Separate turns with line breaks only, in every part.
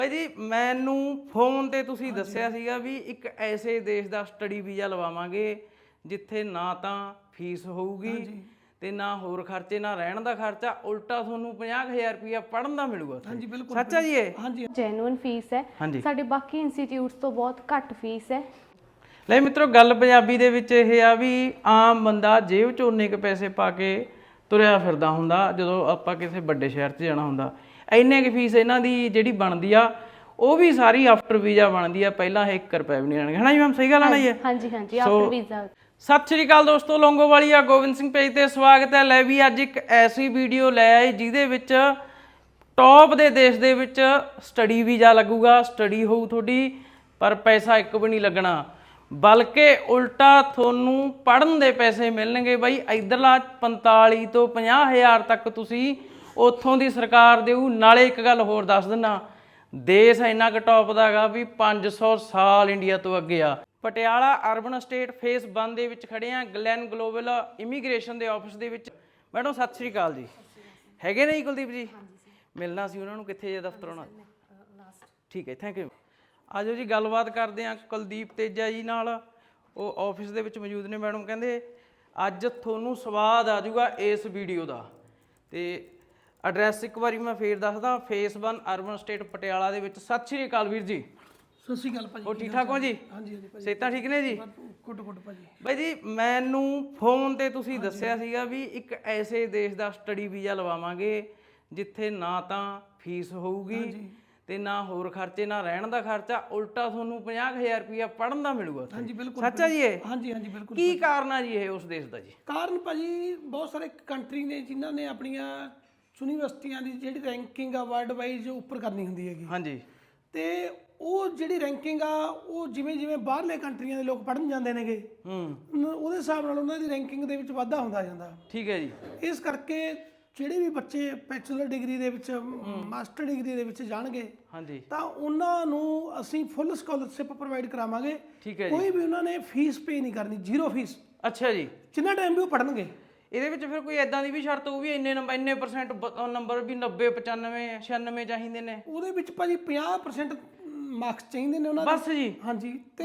ਭਾਈ ਜੀ ਮੈਨੂੰ ਫੋਨ ਤੇ ਤੁਸੀਂ ਦੱਸਿਆ ਸੀਗਾ ਵੀ ਇੱਕ ਐਸੇ ਦੇਸ਼ ਦਾ ਸਟੱਡੀ ਵੀਜ਼ਾ ਲਵਾਵਾਂਗੇ ਜਿੱਥੇ ਨਾ ਤਾਂ ਫੀਸ ਹੋਊਗੀ ਤੇ ਨਾ ਹੋਰ ਖਰਚੇ, ਨਾ ਰਹਿਣ ਦਾ ਖਰਚਾ, ਉਲਟਾ ਤੁਹਾਨੂੰ 50,000 ਰੁਪਇਆ ਪੜਨ ਦਾ ਮਿਲੂਗਾ।
ਹਾਂਜੀ ਬਿਲਕੁਲ
ਸੱਚ ਹੈ ਜੀ ਇਹ?
ਹਾਂਜੀ
ਜੈਨੂਇਨ ਫੀਸ ਹੈ ਸਾਡੇ ਬਾਕੀ ਇੰਸਟੀਚਿਊਟਸ ਤੋਂ ਬਹੁਤ ਘੱਟ ਫੀਸ ਹੈ।
ਲੈ ਮਿੱਤਰੋ, ਗੱਲ ਪੰਜਾਬੀ ਦੇ ਵਿੱਚ ਇਹ ਆ ਵੀ ਆਮ ਬੰਦਾ ਜੇਬ ਚੋਂ ਉਨੇ ਕੁ ਪੈਸੇ ਪਾ ਕੇ ਤੁਰਿਆ ਫਿਰਦਾ ਹੁੰਦਾ ਜਦੋਂ ਆਪਾਂ ਕਿਸੇ ਵੱਡੇ ਸ਼ਹਿਰ 'ਚ ਜਾਣਾ ਹੁੰਦਾ। ਇੰਨੇ ਕੁ ਫੀਸ ਇਹਨਾਂ ਦੀ ਜਿਹੜੀ ਬਣਦੀ ਆ ਉਹ ਵੀ ਸਾਰੀ ਆਫਟਰ ਵੀਜ਼ਾ ਬਣਦੀ ਆ, ਪਹਿਲਾਂ ਇਹ 1 ਰੁਪਏ ਵੀ ਨਹੀਂ ਲੈਣਗੇ, ਹਨਾ ਜੀ ਮੈਮ? ਸਹੀ ਗੱਲ ਆ ਨਾ ਜੀ?
ਹਾਂਜੀ ਹਾਂਜੀ, ਆਫਟਰ ਵੀਜ਼ਾ।
ਸਤਿ ਸ਼੍ਰੀ ਅਕਾਲ ਦੋਸਤੋ, ਲੌਂਗੋਵਾਲੀਆ ਗੋਬਿੰਦ ਸਿੰਘ ਪੇਜ ਤੇ ਸਵਾਗਤ ਹੈ। ਲੈ ਵੀ ਅੱਜ ਇੱਕ ਐਸੀ ਵੀਡੀਓ ਲੈ ਆਏ ਜਿਹਦੇ ਵਿੱਚ ਟੌਪ ਦੇ ਦੇਸ਼ ਦੇ ਵਿੱਚ ਸਟੱਡੀ ਵੀਜ਼ਾ ਲੱਗੂਗਾ, ਸਟੱਡੀ ਹੋਊ ਤੁਹਾਡੀ, ਪਰ ਪੈਸਾ ਇੱਕ ਵੀ ਨਹੀਂ ਲੱਗਣਾ, ਬਲਕਿ ਉਲਟਾ ਤੁਹਾਨੂੰ ਪੜਨ ਦੇ ਪੈਸੇ ਮਿਲਣਗੇ। ਬਾਈ ਇਧਰਲਾ 45 ਤੋਂ 50,000 ਤੱਕ ਤੁਸੀਂ ਉੱਥੋਂ ਦੀ ਸਰਕਾਰ ਦੇਊ। ਨਾਲੇ ਇੱਕ ਗੱਲ ਹੋਰ ਦੱਸ ਦਿੰਦਾ, ਦੇਸ਼ ਇੰਨਾ ਕੁ ਟੌਪ ਦਾ ਹੈਗਾ ਵੀ 500 ਸਾਲ ਇੰਡੀਆ ਤੋਂ ਅੱਗੇ ਆ। ਪਟਿਆਲਾ ਅਰਬਨ ਸਟੇਟ ਫੇਸ 1 ਦੇ ਵਿੱਚ ਖੜੇ ਆ, ਗਲੈਨ ਗਲੋਬਲ ਇਮੀਗ੍ਰੇਸ਼ਨ ਦੇ ਆਫਿਸ ਦੇ ਵਿੱਚ। ਮੈਡਮ ਸਤਿ ਸ਼੍ਰੀ ਅਕਾਲ ਜੀ। ਹੈਗੇ ਨੇ ਜੀ ਕੁਲਦੀਪ ਜੀ? ਮਿਲਣਾ ਸੀ ਉਹਨਾਂ ਨੂੰ, ਕਿੱਥੇ ਜੇ ਦਫ਼ਤਰ ਹੋਣਾ? ਠੀਕ ਹੈ, ਥੈਂਕ ਯੂ। ਆਜੋ ਜੀ, ਗੱਲਬਾਤ ਕਰਦੇ ਆ ਕੁਲਦੀਪ ਤੇਜਾ ਜੀ ਨਾਲ, ਉਹ ਆਫਿਸ ਦੇ ਵਿੱਚ ਮੌਜੂਦ ਨੇ। ਮੈਡਮ ਕਹਿੰਦੇ ਅੱਜ ਤੁਹਾਨੂੰ ਸਵਾਦ ਆ ਜਾਊਗਾ ਇਸ ਵੀਡੀਓ ਦਾ। ਤੇ ਐਡਰੈਸ ਇੱਕ ਵਾਰੀ ਮੈਂ ਫੇਰ ਦੱਸਦਾ, ਫੇਸ 1 ਅਰਬਨ ਸਟੇਟ ਪਟਿਆਲਾ ਦੇ ਵਿੱਚ। ਸਤਿ ਸ਼੍ਰੀ ਅਕਾਲ ਵੀਰ ਜੀ।
ਸਤਿ ਸ਼੍ਰੀ ਅਕਾਲ ਭਾਜੀ।
ਉਹ ਠੀਕ ਠਾਕ ਹੋ ਜੀ?
ਹਾਂਜੀ ਹਾਂਜੀ ਭਾਜੀ,
ਸਿਹਤਾਂ ਠੀਕ ਨੇ ਜੀ?
ਗੁੱਡ ਭਾਜੀ।
ਬਾਈ ਜੀ ਮੈਨੂੰ ਫੋਨ ਤੇ ਤੁਸੀਂ ਦੱਸਿਆ ਸੀਗਾ ਵੀ ਇੱਕ ਐਸੇ ਦੇਸ਼ ਦਾ ਸਟੱਡੀ ਵੀਜ਼ਾ ਲਵਾਵਾਂਗੇ ਜਿੱਥੇ ਨਾ ਤਾਂ ਫੀਸ ਹੋਊਗੀ ਤੇ ਨਾ ਹੋਰ ਖਰਚੇ, ਨਾ ਰਹਿਣ ਦਾ ਖਰਚਾ, ਉਲਟਾ ਤੁਹਾਨੂੰ 50,000 ਰੁਪਇਆ ਪੜਨ ਦਾ ਮਿਲੂਗਾ।
ਹਾਂਜੀ ਬਿਲਕੁਲ।
ਸੱਚ ਹੈ ਜੀ ਇਹ?
ਹਾਂਜੀ ਹਾਂਜੀ ਬਿਲਕੁਲ।
ਕੀ ਕਾਰਨ ਆ ਜੀ ਇਹ ਉਸ ਦੇਸ਼ ਦਾ ਜੀ?
ਕਾਰਨ ਭਾਜੀ ਬਹੁਤ ਸਾਰੇ ਕੰਟਰੀ ਨੇ ਜਿਨ੍ਹਾਂ ਨੇ ਆਪਣੀਆਂ ਯੂਨੀਵਰਸਿਟੀਆਂ ਦੀ ਜਿਹੜੀ ਰੈਂਕਿੰਗ ਆ ਵਰਲਡ ਵਾਈਜ਼ ਉੱਪਰ ਕਰਨੀ ਹੁੰਦੀ ਹੈਗੀ।
ਹਾਂਜੀ।
ਤੇ ਉਹ ਜਿਹੜੀ ਰੈਂਕਿੰਗ ਆ ਉਹ ਜਿਵੇਂ ਜਿਵੇਂ ਬਾਹਰਲੇ ਕੰਟਰੀਆਂ ਦੇ ਲੋਕ ਪੜ੍ਹਨ ਜਾਂਦੇ ਨੇਗੇ ਉਹਦੇ ਹਿਸਾਬ ਨਾਲ ਉਹਨਾਂ ਦੀ ਰੈਂਕਿੰਗ ਦੇ ਵਿੱਚ ਵਾਧਾ ਹੁੰਦਾ ਜਾਂਦਾ।
ਠੀਕ ਹੈ ਜੀ।
ਇਸ ਕਰਕੇ ਜਿਹੜੇ ਵੀ ਬੱਚੇ ਬੈਚਲਰ ਡਿਗਰੀ ਦੇ ਵਿੱਚ, ਮਾਸਟਰ ਡਿਗਰੀ ਦੇ ਵਿੱਚ ਜਾਣਗੇ
ਹਾਂਜੀ
ਤਾਂ ਉਹਨਾਂ ਨੂੰ ਅਸੀਂ ਫੁੱਲ ਸਕਾਲਰਸ਼ਿਪ ਪ੍ਰੋਵਾਈਡ ਕਰਾਵਾਂਗੇ।
ਠੀਕ ਹੈ ਜੀ।
ਕੋਈ ਵੀ ਉਹਨਾਂ ਨੇ ਫੀਸ ਪੇ ਨਹੀਂ ਕਰਨੀ, ਜ਼ੀਰੋ ਫੀਸ।
ਅੱਛਾ ਜੀ।
ਜਿੰਨਾ ਟਾਈਮ ਵੀ ਉਹ ਪੜ੍ਹਨਗੇ।
ਇਹਦੇ ਵਿੱਚ ਫਿਰ ਕੋਈ ਐਦਾਂ ਦੀ ਵੀ ਸ਼ਰਤ ਹੋਊ ਵੀ ਇੰਨੇ % ਨੰਬਰ ਵੀ 90, 95, 96 ਚਾਹੀਦੇ ਨੇ?
ਉਹਦੇ ਵਿੱਚ ਭਾਜੀ 50% ਮਾਰਕਸ ਚਾਹੀਦੇ ਨੇ ਉਹਨਾਂ ਦੇ।
ਬਸ ਜੀ?
ਹਾਂਜੀ। ਤੇ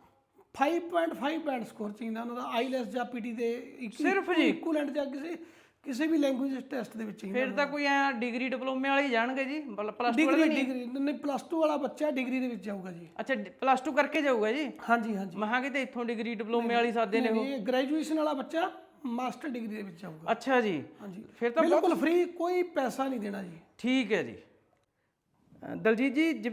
5.5 ਬੈਂਡ ਸਕੋਰ ਚਾਹੀਦਾ ਉਹਨਾਂ ਦਾ ਆਈਲੈਸ ਜਾਂ ਪੀਟੀ ਦੇ
ਸਿਰਫ ਜੀ?
ਇਕੁਇਵਲੈਂਟ ਜਾਂ ਕਿਸੇ ਵੀ ਲੈਂਗੁਏਜ ਟੈਸਟ ਦੇ ਵਿੱਚ ਚਾਹੀਦਾ।
ਫਿਰ ਤਾਂ ਕੋਈ ਐ ਡਿਗਰੀ ਡਿਪਲੋਮੇ ਵਾਲੇ ਹੀ ਜਾਣਗੇ ਜੀ, ਪਲੱਸ 2
ਡਿਗਰੀ ਨਹੀਂ, ਪਲੱਸ 2 ਵਾਲਾ ਬੱਚਾ ਡਿਗਰੀ ਦੇ ਵਿੱਚ ਜਾਊਗਾ ਜੀ।
ਅੱਛਾ, ਪਲੱਸ 2 ਕਰਕੇ ਜਾਊਗਾ ਜੀ?
ਹਾਂਜੀ ਹਾਂਜੀ।
ਮਹਾਂ ਕਿਤੇ ਇੱਥੋਂ ਡਿਗਰੀ ਡਿਪਲੋਮੇ ਵਾਲੀ ਸਾਦੇ ਨੇ ਉਹ?
ਗ੍ਰੈਜੂਏਸ਼ਨ ਵਾਲਾ ਬੱਚਾ ਮਾਸਟਰ ਡਿਗਰੀ ਦੇ ਵਿੱਚ ਜਾਊਗਾ।
ਅੱਛਾ ਜੀ।
ਹਾਂਜੀ,
ਫਿਰ ਤਾਂ
ਬਿਲਕੁਲ ਫ੍ਰੀ, ਕੋਈ ਪੈਸਾ ਨਹੀਂ ਦੇਣਾ ਜੀ।
ਠੀਕ ਹੈ ਜੀ। ਦਲਜੀਤ ਜੀ